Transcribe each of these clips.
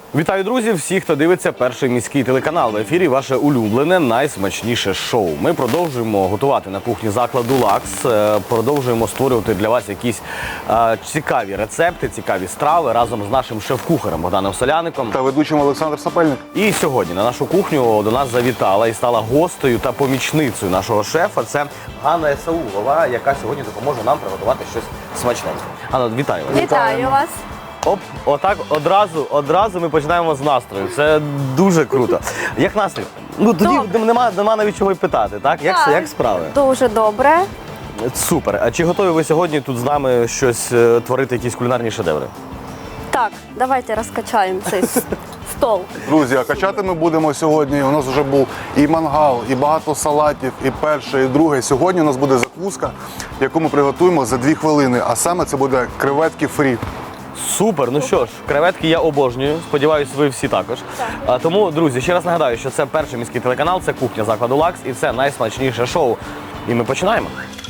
Вітаю, друзі! Всі, хто дивиться перший міський телеканал. В ефірі ваше улюблене, найсмачніше шоу. Ми продовжуємо готувати на кухні закладу «Лакс». Продовжуємо створювати для вас якісь цікаві рецепти, цікаві страви разом з нашим шеф-кухарем Богданом Соляником. Та ведучим Олександр Сапельник. І сьогодні на нашу кухню до нас завітала і стала гостею та помічницею нашого шефа. Це Ганна Есаулова, яка сьогодні допоможе нам приготувати щось смачненьке. Ганна, вітаю вас! Вітаю вас. Оп, отак одразу ми починаємо з настрою. Це дуже круто. Як настрій? Ну тоді нема навіть чого й питати, так? Як справи? Дуже добре. Супер. А чи готові ви сьогодні тут з нами щось творити, якісь кулінарні шедеври? Так, давайте розкачаємо цей стол. Друзі, а качати ми будемо сьогодні. У нас вже був і мангал, і багато салатів, і перше, і друге. Сьогодні у нас буде закуска, яку ми приготуємо за 2 хвилини. А саме це буде креветки фрі. Супер, ну що ж, креветки я обожнюю, сподіваюсь, ви всі також. Тому, друзі, ще раз нагадаю, що це перший міський телеканал, це кухня закладу «Лакс» і це найсмачніше шоу. І ми починаємо.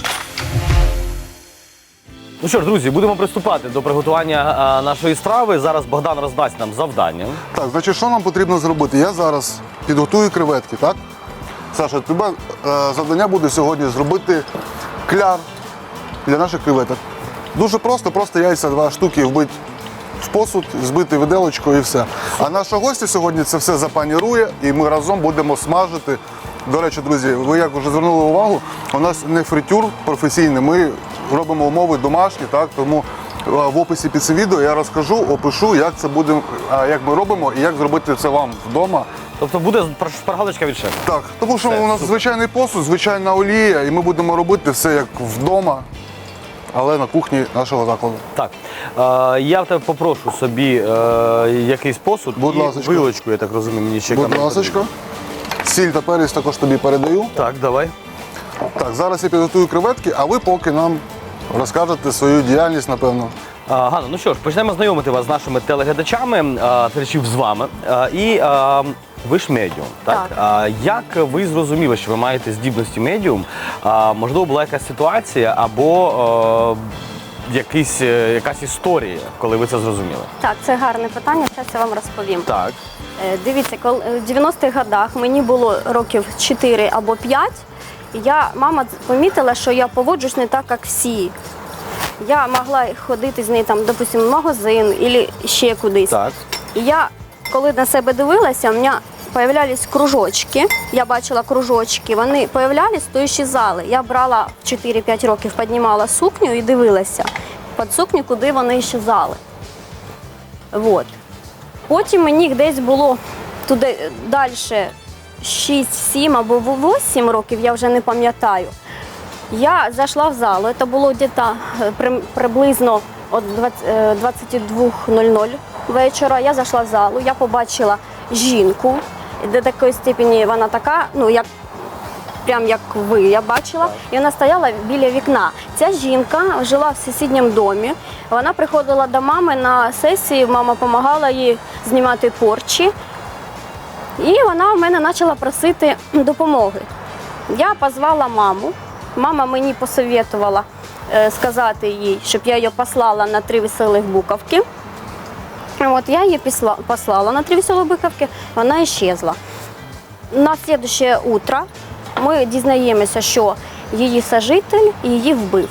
Ну що ж, друзі, будемо приступати до приготування нашої страви. Зараз Богдан роздасть нам завдання. Так, значить, що нам потрібно зробити? Я зараз підготую креветки, так? Саша, тебе завдання буде сьогодні зробити кляр для наших креветок. Дуже просто яйця 2 штуки вбити в посуд, збити виделочкою і все. А наша гостя сьогодні це все запанірує і ми разом будемо смажити. До речі, друзі, ви як вже звернули увагу, у нас не фритюр професійний, ми робимо умови домашні, так? Тому в описі під цим відео я розкажу, опишу, як це буде, як ми робимо і як зробити це вам вдома. Тобто буде шпаргалочка від шефа? Так, тому що Все, у нас супер. звичайний посуд, звичайна олія, і ми будемо робити все як вдома, але на кухні нашого закладу. Так, я в тебе попрошу собі якийсь посуд Будь і ласочка. вилочку, я так розумію, мені ще Будь камера ласочка. Сіль та перець також тобі передаю. Так, давай. Так, зараз я підготую креветки, а ви поки нам розкажете свою діяльність, напевно. Ганна, ну що ж, почнемо знайомити вас з нашими телеглядачами, глядачів з вами. Ви ж медіум, так? Так. Як ви зрозуміли, що ви маєте здібності медіум? Можливо, була якась ситуація або якась історія, коли ви це зрозуміли? Так, це гарне питання, зараз я вам розповім. Так. Дивіться, коли в 90-х годах мені було років 4 або 5, і мама помітила, що я поводжусь не так, як всі. Я могла ходити з нею, там, допустим, в магазин або ще кудись. Так. І я, коли на себе дивилася, у мене появлялись кружочки, я бачила кружочки, вони появлялись, то щезали. Я брала в 4-5 років, піднімала сукню і дивилася під сукню, куди вони щезали. Вот. Потім мені десь було туди далі 6-7 або 8 років, я вже не пам'ятаю. Я зайшла в залу, це було десь приблизно о 22:00 вечора. Я зайшла в залу, я побачила жінку, до такої степені вона така, ну як прям як ви, я бачила, і вона стояла біля вікна. Ця жінка жила в сусідньому домі, вона приходила до мами на сесії, мама допомагала їй знімати порчі, і вона в мене почала просити допомоги. Я позвала маму, мама мені посоветувала сказати їй, щоб я її послала на 3 веселих буковки. От я її послала на 3 веселих буковки, вона исчезла. На наступне утро ми дізнаємося, що її сожитель її вбив.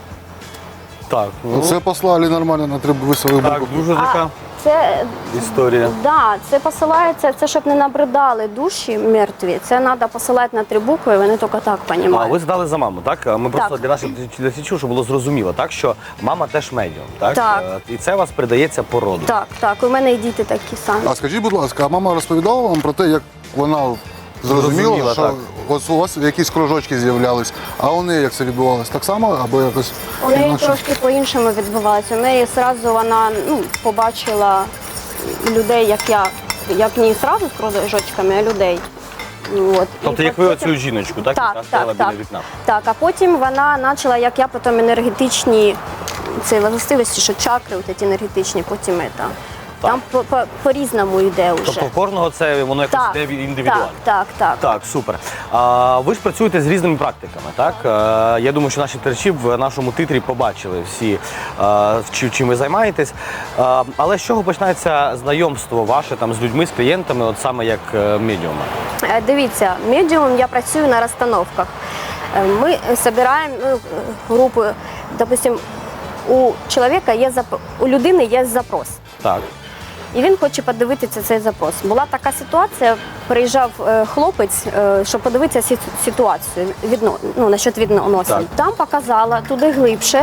Так, Це послали нормально на 3 веселих так, букви. дуже така Це історія. да, це посилається, це щоб не набридали душі мертві. Це треба посилати на 3 букви, вони тільки так розуміють. Ви задали за маму, так? Ми просто Так. для наших глядачів, щоб було зрозуміло, так, що мама теж медіум, так? Так. І це у вас передається по роду. Так, у мене і діти такі самі. А скажіть, будь ласка, а мама розповідала вам про те, як вона Зрозуміла, зрозуміла, що так. ось у вас якісь кружочки з'являлись, а у неї як це відбувалось? Так само або якось У неї інакше? трошки по-іншому відбувалося. У неї одразу вона побачила людей, як не одразу з кружочками, а людей. От. Тобто, І як ви потім- оцю жіночку, так? Яка стояла біля вікна. Так, а потім вона почала, як я потім енергетичні ці властивості, що чакри, от ці енергетичні, потім Там по-різному йде вже. Тобто в кожного це воно якось Так, йде індивідуально. так. Так, супер. Ви ж працюєте з різними практиками, так? Я думаю, що наші глядачі в нашому титрі побачили всі, чим ви займаєтесь. Але з чого починається знайомство ваше там з людьми, з клієнтами, от саме як медіума? Дивіться, медіум я працюю на розстановках. Ми збираємо групи, допустим, у чоловіка є у людини є запрос. Так. І він хоче подивитися цей запрос. Була така ситуація, приїжджав хлопець, щоб подивитися ситуацію насчет відносин. Так. Там показала туди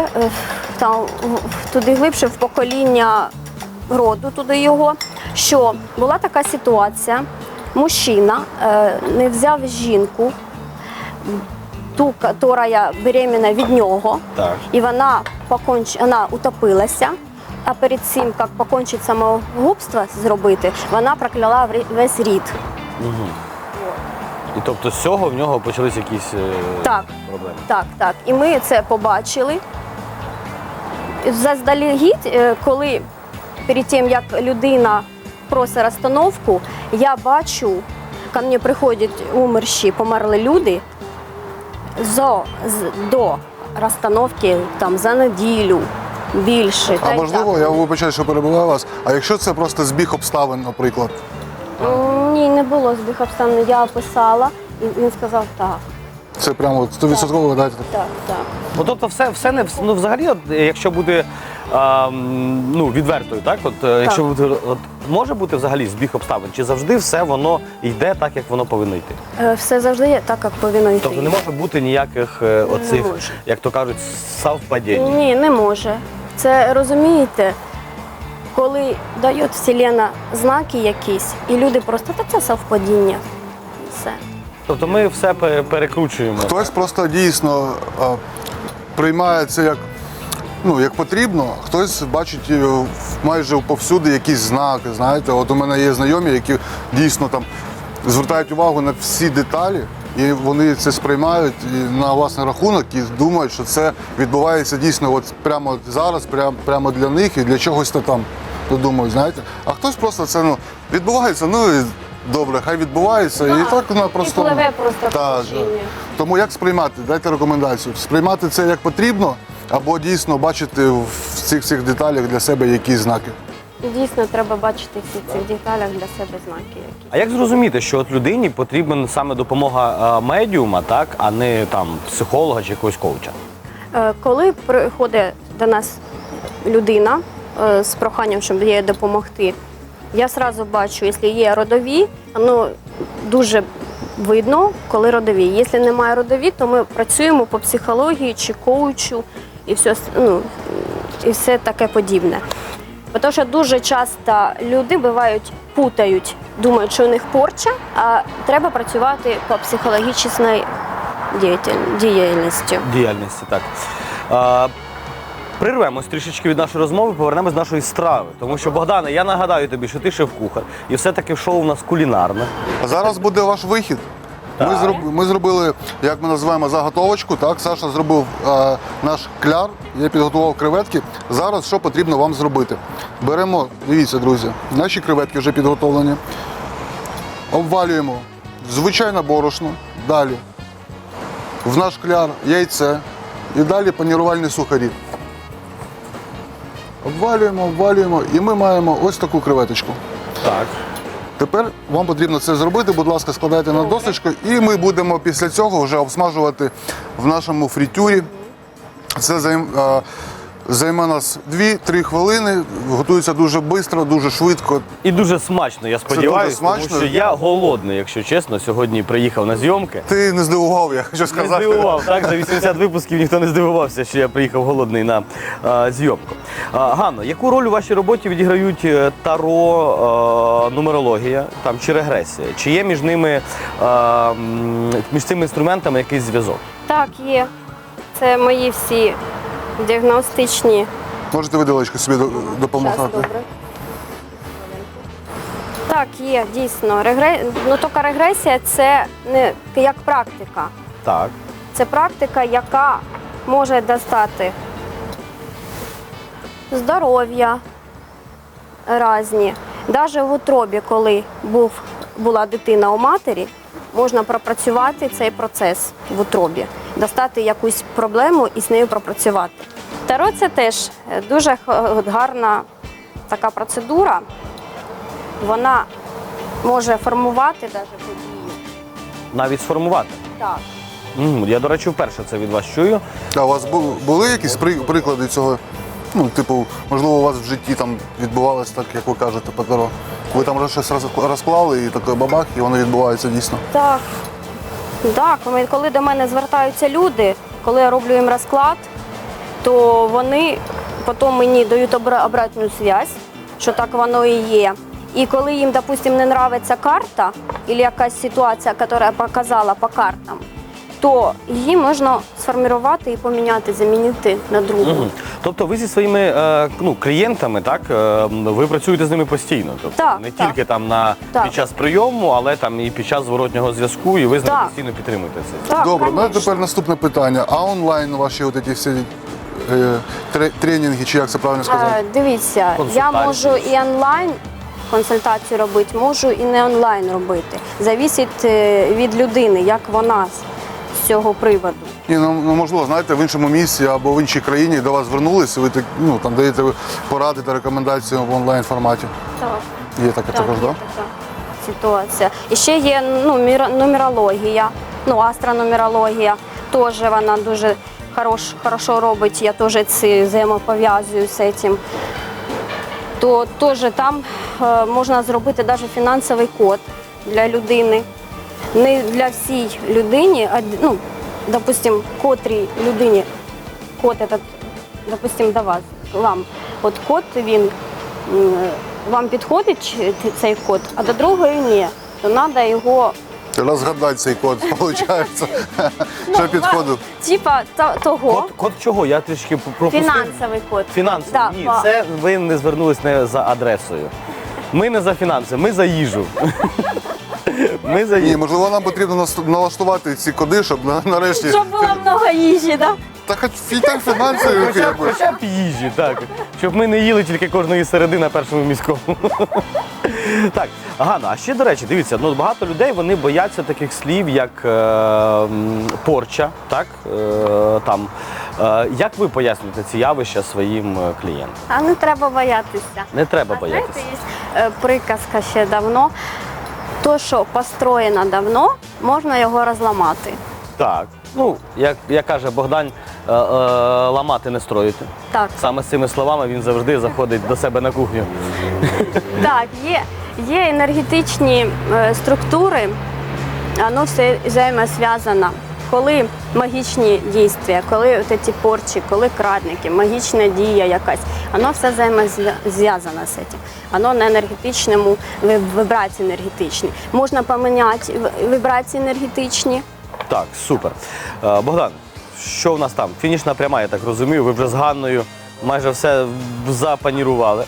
глибше в покоління роду, туди його, що була така ситуація, мужчина не взяв жінку, ту, яка беременна від нього, Так. і вона утопилася. А перед цим, як покончити самогубство зробити, вона прокляла весь рід. І тобто з цього в нього почались якісь проблеми? Так. І ми це побачили. Заздалегідь, коли перед тим, як людина просить розстановку, я бачу, ко мені приходять померли люди до розстановки там, за неділю. Більше. А можливо, я вибачаю, що перебуваю вас, а якщо це просто збіг обставин, наприклад? Ні, не було збіг обставин. Я описала, і він сказав так. Це прямо 100% ви даєте? Так. Ну, тобто все не взагалі, якщо буде відвертою, так? Якщо буде, може бути взагалі збіг обставин, чи завжди все воно йде так, як воно повинно йти? Все завжди є так, як повинно йти. Тобто не може бути ніяких оцих, може. як то кажуть, совпадінь? Ні, не може. Це, розумієте, коли дає Вселенна знаки якісь, і люди просто, це совпадіння. І все. Тобто ми все перекручуємо. Хтось просто дійсно приймає це як потрібно, хтось бачить майже повсюди якісь знаки. Знаєте, от у мене є знайомі, які дійсно там звертають увагу на всі деталі, і вони це сприймають на власний рахунок і думають, що це відбувається дійсно от прямо зараз, прямо для них і для чогось там. Думаю, знаєте. А хтось просто це відбувається, і добре, хай відбувається, і так вона просто. І пливе просто Так. Тому як сприймати? Дайте рекомендацію. Сприймати це як потрібно, або дійсно бачити в цих всіх деталях для себе якісь знаки. Дійсно, треба бачити всі цих деталях для себе знаки якісь. А як зрозуміти, що от людині потрібна саме допомога медіума, так, а не там психолога чи якогось коуча? Коли приходить до нас людина з проханням, щоб їй допомогти, я одразу бачу, якщо є родові, дуже видно, коли родові. Якщо немає родові, то ми працюємо по психології чи коучу і все таке подібне. Тому що дуже часто люди путають, думають, що у них порча, а треба працювати по психологічній діяльності. Діяльності, так. Прирвемось трішечки від нашої розмови, повернемось до нашої страви. Тому що, Богдане, я нагадаю тобі, що ти шеф-кухар, і все-таки шоу у нас кулінарне. А зараз буде ваш вихід. Ми зробили, як ми називаємо, заготовочку. Так? Саша зробив наш кляр, я підготував креветки. Зараз що потрібно вам зробити? Беремо, дивіться, друзі, наші креветки вже підготовлені. Обвалюємо звичайне борошно, далі в наш кляр яйце і далі панірувальні сухарі. Обвалюємо і ми маємо ось таку креветочку. Так. Тепер вам потрібно це зробити, будь ласка, складайте на досочку, і ми будемо після цього вже обсмажувати в нашому фритюрі. Це займе нас 2-3 хвилини, готується дуже швидко, дуже швидко. І дуже смачно, я сподіваюся, тому смачно. що я голодний, якщо чесно, сьогодні приїхав на зйомки. Ти не здивував, я хочу Не сказати. здивував, так? За 80 випусків ніхто не здивувався, що я приїхав голодний на зйомку. Ганно, яку роль у вашій роботі відіграють таро, нумерологія там, чи регресія? Чи є між ними, між цими інструментами якийсь зв'язок? Так, є. Це мої всі діагностичні. Можете виделочку собі допомагати? Щас, добре. Так, є, дійсно. Тільки регресія – це не як практика. Так. Це практика, яка може достати здоров'я, різні. Навіть в утробі, коли була дитина у матері, можна пропрацювати цей процес в утробі, достати якусь проблему і з нею пропрацювати. Таро – це теж дуже гарна така процедура. Вона може формувати навіть події. Навіть сформувати. Так. Я, до речі, вперше це від вас чую. А у вас були якісь приклади цього? Ну, типу, можливо, у вас в житті там відбувалося так, як ви кажете, по Таро. Ви там вже щось розклали і такий бабах, і воно відбувається дійсно. Так. Так, коли до мене звертаються люди, коли я роблю їм розклад, то вони потім мені дають обратну зв'язку, що так воно і є. І коли їм, допустим, не подобається карта або якась ситуація, яка показала по картам, то її можна сформувати і поміняти, замінити на другу. Тобто ви зі своїми клієнтами, так, ви працюєте з ними постійно? Тобто Так, не так. тільки там Так. під час прийому, але там і під час зворотнього зв'язку, і ви з ними Так. постійно підтримуєте це. Так, Добре, ну конечно. тепер наступне питання. А онлайн ваші от ці всі тренінги, чи як це правильно сказати? Дивіться, я Консультації. можу і онлайн консультацію робити, можу і не онлайн робити. Завісить від людини, як вона з цього приводу. Ні, ну можливо, знаєте, в іншому місці або в іншій країні до вас звернулися, ви там даєте поради та рекомендації в онлайн форматі. Так. Є таке також, так? така ситуація. І ще є нумерологія, астронумерологія. Теж вона дуже хорошо робить, я теж взаємопов'язую з цим. То теж там можна зробити навіть фінансовий код для людини. Не для всій людині, а допустим, котрій людині код этот, допустим, до вас, вам. От код він вам підходить цей код, а до другої ні. То треба його Розгадати цей код, виходить, що підходив. Типа того. Код чого? Я трішки пропустив. Фінансовий код. Фінанси. Так, Ні, це ви не звернулись не за адресою. Ми не за фінанси, ми за їжу. Ми за Ні, їжу. можливо, нам потрібно налаштувати ці коди, щоб нарешті. Щоб було много їжі, так? Та хоч фінансові. Хоча б їжі, так. Щоб ми не їли тільки кожної середи на першому міському. Так, Ганна, а ще, до речі, дивіться, багато людей, вони бояться таких слів, як порча, так? Як ви пояснюєте ці явища своїм клієнтам? А не треба боятися. Не треба А боятися. знаєте, є приказка ще давно. То, що построєно давно, можна його розламати. Так. Як каже Богдан, ламати не строїти. Так. Саме з цими словами він завжди заходить до себе на кухню. Так, є енергетичні структури, воно все взаємозв'язано. Коли магічні дійства, коли ці порчі, коли крадники, магічна дія якась, воно все взаємозв'язано з цим. Воно на енергетичному, вібрації енергетичні. Можна поміняти вібрації енергетичні. Так, супер. Богдан, що в нас там? Фінішна пряма, я так розумію, ви вже з Ганною майже все запанірували.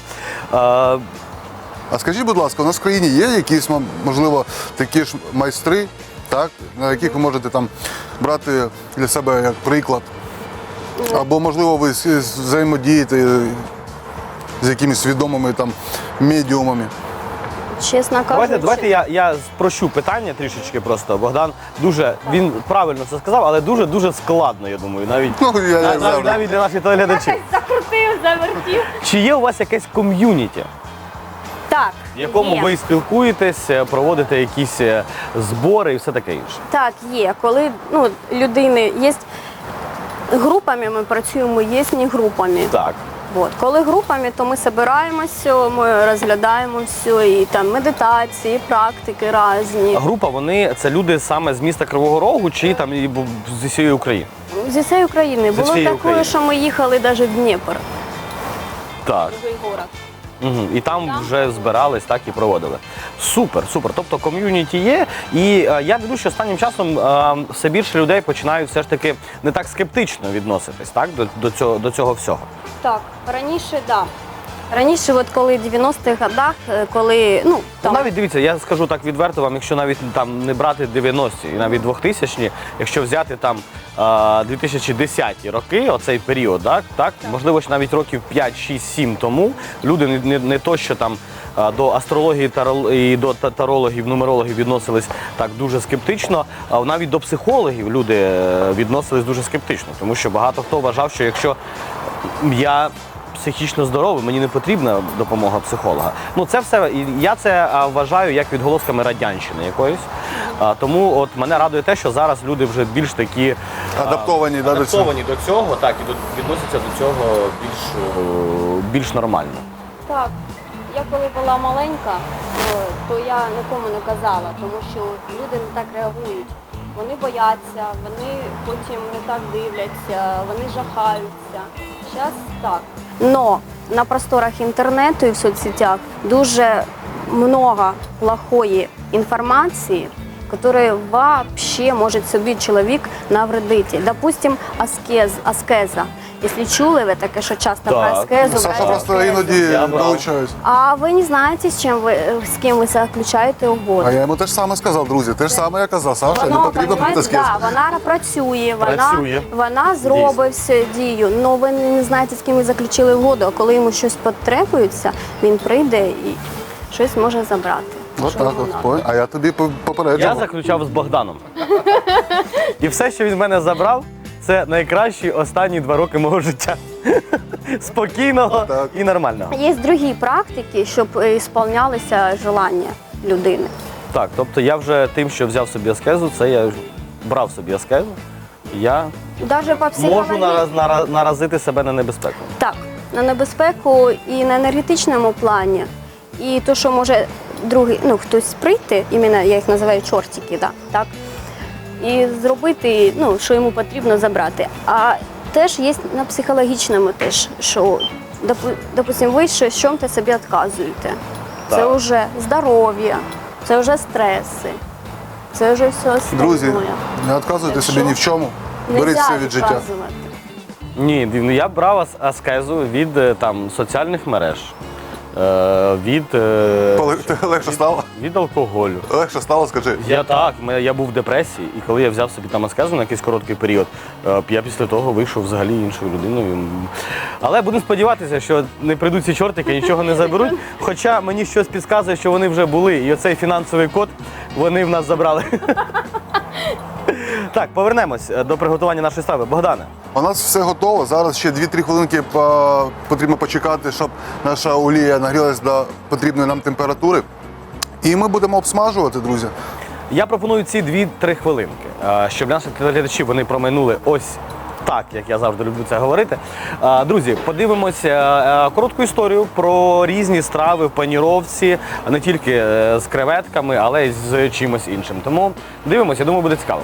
А скажіть, будь ласка, у нас в країні є якісь, можливо, такі ж майстри, так, на яких ви можете там брати для себе як приклад? Або, можливо, ви взаємодієте з якимись відомими там медіумами? Чесно кажучи. Давайте я спрощу питання трішечки просто. Богдан він правильно це сказав, але дуже складно, я думаю, навіть для наших телеглядачів. Закрутив, завертів. Чи є у вас якесь ком'юніті, Так, в якому є. ви спілкуєтесь, проводите якісь збори і все таке інше? Так, є. Коли людини є групами, ми працюємо, є не групами. Так. От. Коли групами, то ми збираємося, ми розглядаємо все, і там медитації, і практики різні. Група, це люди саме з міста Кривого Рогу чи там з усієї України? Зі всієї України. Було всієї таке, України. що ми їхали навіть в Дніпро. Так. Другий город. Угу. І там вже збирались, так і проводили. Супер. Тобто ком'юніті є. І я дивлюся, що останнім часом все більше людей починають все ж таки не так скептично відноситись, так, до цього всього. Так, раніше, так. Да. Раніше, коли в 90-х годах, коли Ну, навіть дивіться, я скажу так відверто вам, якщо навіть там не брати 90-ті і навіть 2000-ні, якщо взяти там 2010 роки, оцей період, так, можливо, що навіть років 5, 6, 7 тому люди не то, що там до астрології і до тарологів, нумерологів відносились так дуже скептично, а навіть до психологів люди відносились дуже скептично, тому що багато хто вважав, що якщо я психічно здоровий, мені не потрібна допомога психолога. Ну це все, я це вважаю як відголосками радянщини якоїсь. Тому от мене радує те, що зараз люди вже більш такі Адаптовані до цього, так, і відносяться до цього більш нормально. Так, я коли була маленька, то я нікому не казала, тому що люди не так реагують. Вони бояться, вони потім не так дивляться, вони жахаються. Зараз так. Но на просторах інтернету і в соцсетях дуже много плохої інформації, которую вообще може собі чоловік навредити. Допустим, аскеза. Якщо чули ви таке, що часто про аскезу, Саша просто іноді долучаюсь. А ви не знаєте, з ким ви заключаєте угоду. А я йому те ж саме сказав, друзі. Те ж саме я казав, Саша, не потрібно бути скіз. Да, вона працює, вона зробить всю дію, але ви не знаєте, з ким ви заключили угоду, а коли йому щось потребується, він прийде і щось може забрати. От так от. А я тобі попереджував. Я заключав з Богданом. І все, що він в мене забрав, це найкращі останні 2 роки мого життя. Спокійного і нормального. Є другі практики, щоб ісполнялися желання людини. Так, тобто я вже тим, що взяв собі аскезу, це я брав собі аскезу, я Даже по можу психології. наразити себе на небезпеку. Так, на небезпеку і на енергетичному плані, і то, що може другий, хтось прийти, іменно я їх називаю чортики, да, так, і зробити, що йому потрібно забрати. А теж є на психологічному теж, що, допустим, ви в чому-то собі відказуєте. Це вже здоров'я, це вже стреси, це вже все остальне. Друзі, не відказуйте собі ні в чому. Беріть все від життя. відказувати. Ні, я брав аскезу від соціальних мереж, Легше стало? від алкоголю. Легше стало, скажи. Я був в депресії, і коли я взяв собі там аскезу на якийсь короткий період, я після того вийшов взагалі іншою людиною. Але будемо сподіватися, що не прийдуть ці чортики, нічого не заберуть. Хоча мені щось підказує, що вони вже були, і оцей фінансовий код вони в нас забрали. Так, повернемось до приготування нашої страви. Богдане. У нас все готово. Зараз ще 2-3 хвилинки потрібно почекати, щоб наша олія нагрілась до потрібної нам температури. І ми будемо обсмажувати, друзі. Я пропоную ці 2-3 хвилинки, щоб наші глядачі вони проминули ось так, як я завжди люблю це говорити. Друзі, подивимося коротку історію про різні страви в паніровці, не тільки з креветками, але й з чимось іншим. Тому дивимося, я думаю, буде цікаво.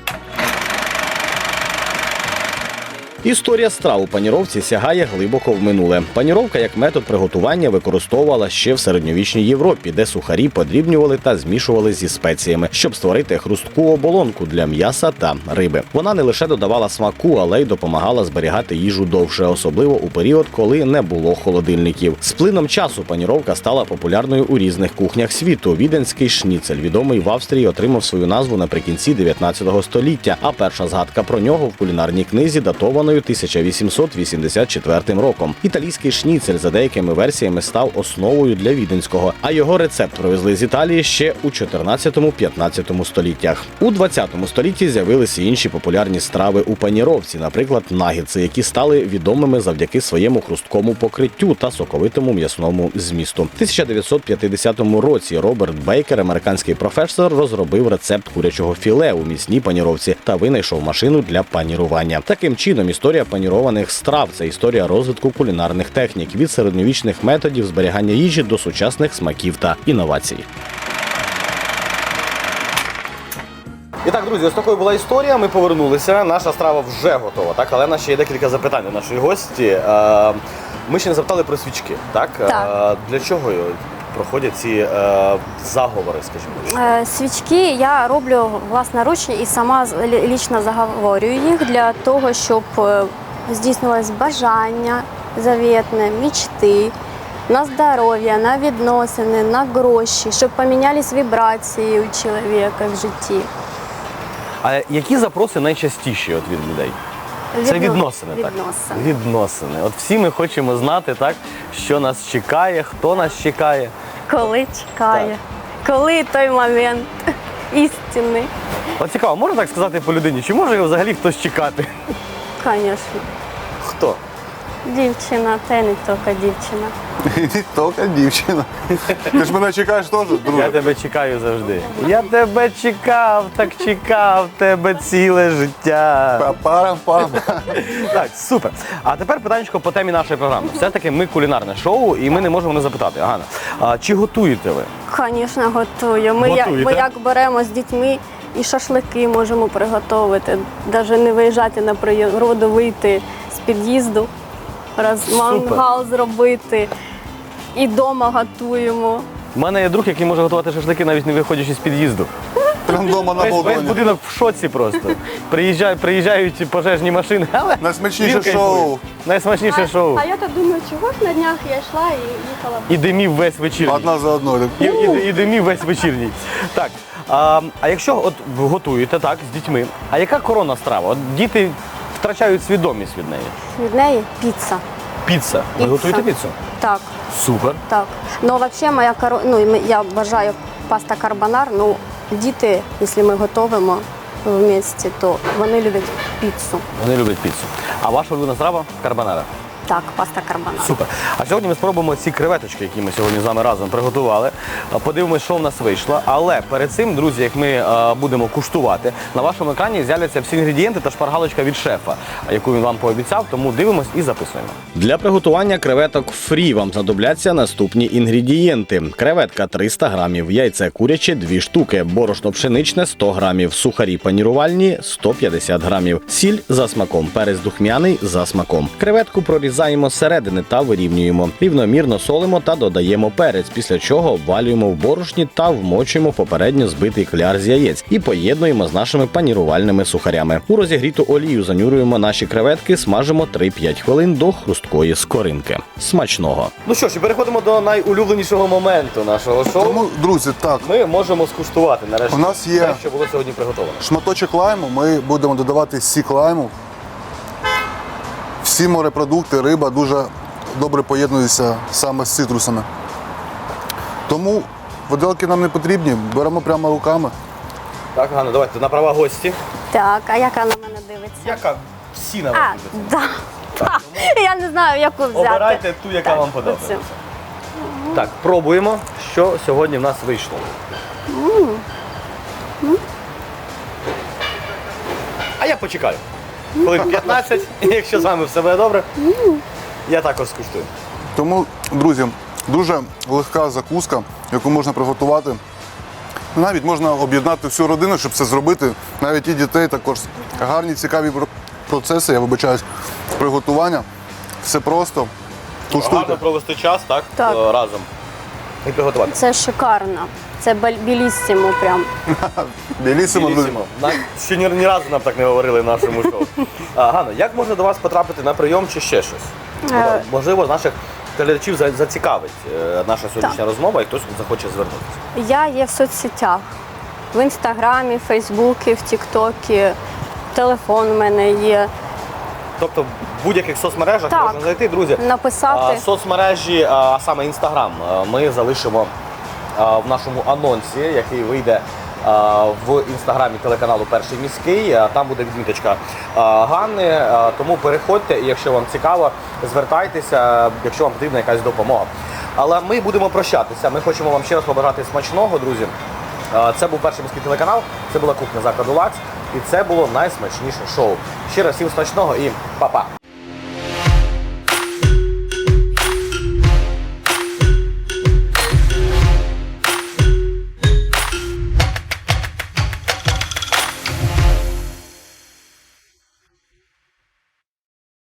Історія страв у паніровці сягає глибоко в минуле. Паніровка як метод приготування використовувала ще в середньовічній Європі, де сухарі подрібнювали та змішували зі спеціями, щоб створити хрустку оболонку для м'яса та риби. Вона не лише додавала смаку, але й допомагала зберігати їжу довше, особливо у період, коли не було холодильників. З плином часу паніровка стала популярною у різних кухнях світу. Віденський шніцель, відомий в Австрії, отримав свою назву наприкінці 19 століття, а перша згадка про нього в кулінарній книзі датована 1884 роком. Італійський шніцель за деякими версіями став основою для віденського, а його рецепт привезли з Італії ще у 14-15 століттях. У 20 столітті з'явилися інші популярні страви у паніровці, наприклад, наггетси, які стали відомими завдяки своєму хрусткому покриттю та соковитому м'ясному змісту. В 1950 році Роберт Бейкер, американський професор, розробив рецепт курячого філе у м'ясній паніровці та винайшов машину для панірування. Таким чином, історія панірованих страв – це історія розвитку кулінарних технік від середньовічних методів зберігання їжі до сучасних смаків та інновацій. І так, друзі, ось такою була історія. Ми повернулися. Наша страва вже готова, так? Але в нас ще є декілька запитань до нашої гості. Ми ще не запитали про свічки, так? Так. Для чого проходять ці заговори, скажімо? Свічки я роблю власноруч і сама лічно заговорюю їх для того, щоб здійснилось бажання заветне, мечти. на здоров'я, на відносини, на гроші, щоб помінялись вібрації у чоловіка в житті. А які запроси найчастіші от від людей? Це відносини, так? Відносини. Відносини. От всі ми хочемо знати, так, що нас чекає, хто нас чекає. Коли чекає, коли той момент істинний. От цікаво, можна так сказати по людині, чи може його взагалі хтось чекати? Звісно. Хто? Дівчина, та й не тільки дівчина. Тільки дівчина. Ти ж мене чекаєш теж, Я друже? тебе чекаю завжди. Я тебе чекав, так чекав тебе ціле життя. Па-парам-пам. Так, супер. А тепер питаннячко по темі нашої програми. Все-таки ми кулінарне шоу, і ми не можемо не запитати. Ганна, а чи готуєте ви? Звісно, готую. Ми Готуєте? як беремо з дітьми і шашлики можемо приготувати. Навіть не виїжджати на природу, вийти з під'їзду, мангал зробити. І вдома готуємо. У мене є друг, який може готувати шашлики, навіть не виходячи з під'їзду. Прям вдома на Весь балконі. будинок в шоці просто. Приїжджають пожежні машини, але Найсмачніше він кайфує. шоу. Найсмачніше шоу. А я так думаю, чого ж на днях я йшла і їхала. І димів весь вечірній. Одна за одною. І димів весь вечірній. Так, а якщо от ви готуєте так з дітьми, а яка коронна страва? От діти втрачають свідомість від неї. Від неї піца. Піца. Ви Піца. готуєте піцу? Так, Супер. так. Ну, взагалі, я вважаю паста карбонар, ну, діти, якщо ми готуємо в місті, то вони люблять піцу. Вони люблять піцу. А ваша улюблена страва? Карбонара. Так, паста карбонар. Супер. А сьогодні ми спробуємо ці креветочки, які ми сьогодні з вами разом приготували. Подивимось, що в нас вийшло. Але перед цим, друзі, як ми будемо куштувати, на вашому екрані з'являться всі інгредієнти та шпаргалочка від шефа, яку він вам пообіцяв, тому дивимось і записуємо. Для приготування креветок фрі вам знадобляться наступні інгредієнти. Креветка 300 грамів, яйце куряче 2 штуки, борошно пшеничне 100 грамів, сухарі панірувальні 150 грамів, сіль за смаком, перець духмяний за смаком. Креветку прорізаємо зсередини та вирівнюємо. Рівномірно солимо та додаємо перець, після чого обвалюємо в борошні та вмочуємо в попередньо збитий кляр з яєць і поєднуємо з нашими панірувальними сухарями. У розігріту олію занюрюємо наші креветки, смажимо 3-5 хвилин до хрусткої скоринки. Смачного! Ну що ж, і переходимо до найулюбленішого моменту нашого шоу. Тому, друзі, так, Ми можемо скуштувати нарешті У нас є- те, що було сьогодні приготовлено. шматочок лайму, ми будемо додавати сік лайму. Всі морепродукти, риба дуже добре поєднуються саме з цитрусами. Тому виделки нам не потрібні, беремо прямо руками. Так, Ганна, давайте на права гості. Так, а яка на мене дивиться? Яка всі на вас А, дивляться. да. Я не знаю, яку взяти. Обирайте ту, яка вам подобається. Оцю. Так, пробуємо, що сьогодні в нас вийшло. А я почекаю. Хвилин 15, і якщо з вами все буде добре, я також скуштую. Тому, друзі, дуже легка закуска, яку можна приготувати. Навіть можна об'єднати всю родину, щоб це зробити. Навіть і дітей також. Гарні, цікаві процеси, я вибачаюсь, приготування. Все просто. Гарно Куштуйте. провести час, так? Так. Разом. І приготувати. Це шикарно. Це біліссимо прям. Білісимо, друзі. Білісімо. Ще ні разу нам так не говорили в нашому шоу. Ганна, як можна до вас потрапити на прийом чи ще щось? Можливо, наших глядачів зацікавить наша сьогоднішня розмова і хтось захоче звернутися. Я є в соцсетях. В інстаграмі, в Фейсбуці, в Тіктокі. Телефон в мене є. Тобто в будь-яких соцмережах Так. можна зайти, друзі. Написати. Соцмережі, а саме Інстаграм, ми залишимо в нашому анонсі, який вийде в інстаграмі телеканалу Перший міський. Там буде відміточка Ганни, тому переходьте, і якщо вам цікаво, звертайтеся, якщо вам потрібна якась допомога. Але ми будемо прощатися. Ми хочемо вам ще раз побажати смачного, друзі. Це був Перший міський телеканал, це була кухня закладу «Лакс», і це було найсмачніше шоу. Ще раз всім смачного і па-па!